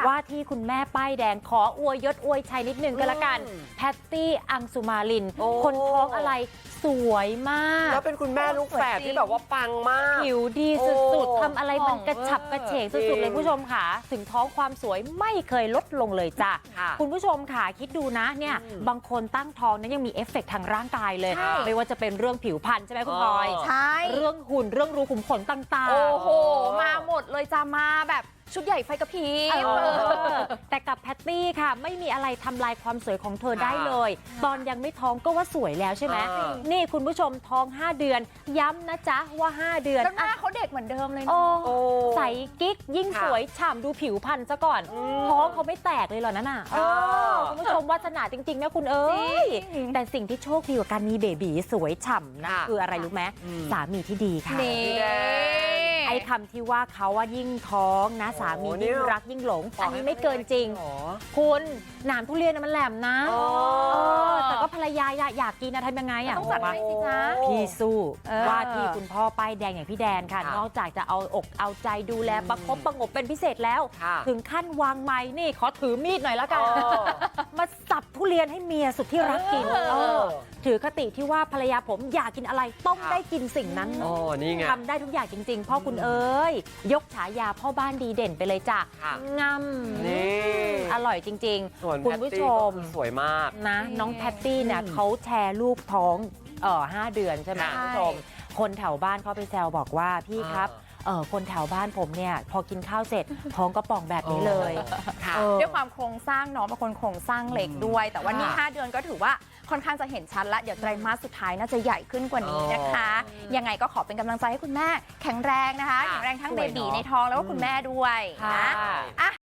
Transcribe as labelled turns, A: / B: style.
A: ว่าที่คุณแม่ป้ายแดงขออวยยศอวยชัยนิดนึงก็แล้วกันแพตตี้อังสุมาลินคนท้องอะไรสวยมาก
B: แล้วเป็นคุณแม่ลูกแฝดที่แบบว่าปังมาก
A: ผิวดีสุดๆทำอะไรมันกระฉับกระเฉงสุดๆเลยผู้ชมค่ะถึงท้องความสวยไม่เคยลดลงเลยจ้ะคุณผู้ชมค่ะคิดดูนะเนี่ยบางคนตั้งท้องนั้นยังมีเอฟเฟกต์ทางร่างกายเลยไม่ว่าจะเป็นเรื่องผิวพรรณใช่ไหมคุณพลอย
C: ใช่
A: เรื่องหุ่นเรื่องรูขุมขนต่างๆ
C: โอ้โหมาหมดเลยจ้ามาแบบชุดใหญ่ไฟกระพริบ
A: แต่กับแพตตี้ค่ะไม่มีอะไรทำลายความสวยของเธอได้เลยตอนยังไม่ท้องก็ว่าสวยแล้วใช่ไหมนี่คุณผู้ชมท้อง5เดือนย้ำนะจ๊ะว่า5เดือน
C: แล้วหน้าเขาเด็กเหมือนเดิมเลยนะ
A: ใสกิ๊กยิ่งสวยฉ่ำดูผิวพรรณซะก่อนท้องเขาไม่แตกเลยเหรอนั่นน่ะคุณผู้ชมวาสนาจริงๆนะคุณเอ้ยแต่สิ่งที่โชคดีกว่าการมีเบบีสวยฉ่ำนะคืออะไรรู้ไหมสามีที่ดีค่ะไอ้คำที่ว่าเขาว่ายิ่งท้องนะสามียิ่งรักยิ่งหลงอันนี้ไม่เกินจริงคุณหนามทุเรียนมันแหลมนะแต่ก็ภรรยาอยากกินนะทำยังไงอ่ะ
C: ต้องจัดให้สิจ๊ะ
A: พี่สู้ว่าที่คุณพ่อป้ายแดงอย่างพี่แดนค่ะนอกจากจะเอาอกเอาใจดูแลประคบประงบเป็นพิเศษแล้วถึงขั้นวางไม้นี่ขอถือมีดหน่อยแล้วกันมาสับทุเรียนให้เมียสุดที่รักกินถือคติที่ว่าภรรยาผมอยากกินอะไรต้องได้กินสิ่งนั้นทำได้ทุกอย่างจริงๆพ่อคุณเอ้ยยกฉายาพ่อบ้านดีเด่นไปเลยจ้ะงำอร่อยจริงๆคุณผู้ชม
B: สวยมาก
A: นะน้องแพตตี้เนี่ยเขาแชร์รูปท้อง5 เดือนใช่ไหมคุณผู้ชมคนแถวบ้านเขาไปแซวบอกว่าพี่ครับคนแถวบ้านผมเนี่ยพอกินข้าวเสร็จท้องก็ป่องแบบนี้เลย
C: ด้วยความโครงสร้างน้องเป็นคนโครงสร้างเหล็กด้วยแต่ว่านี่5 เดือนก็ถือว่าค่อนข้างจะเห็นชัดแล้วเดี๋ยวไตรมาสสุดท้ายน่าจะใหญ่ขึ้นกว่านี้นะคะยังไงก็ขอเป็นกำลังใจให้คุณแม่แข็งแรงนะคะแข็งแรงทั้งเบบีในท้องแล้วก็คุณแม่ด้วยนะ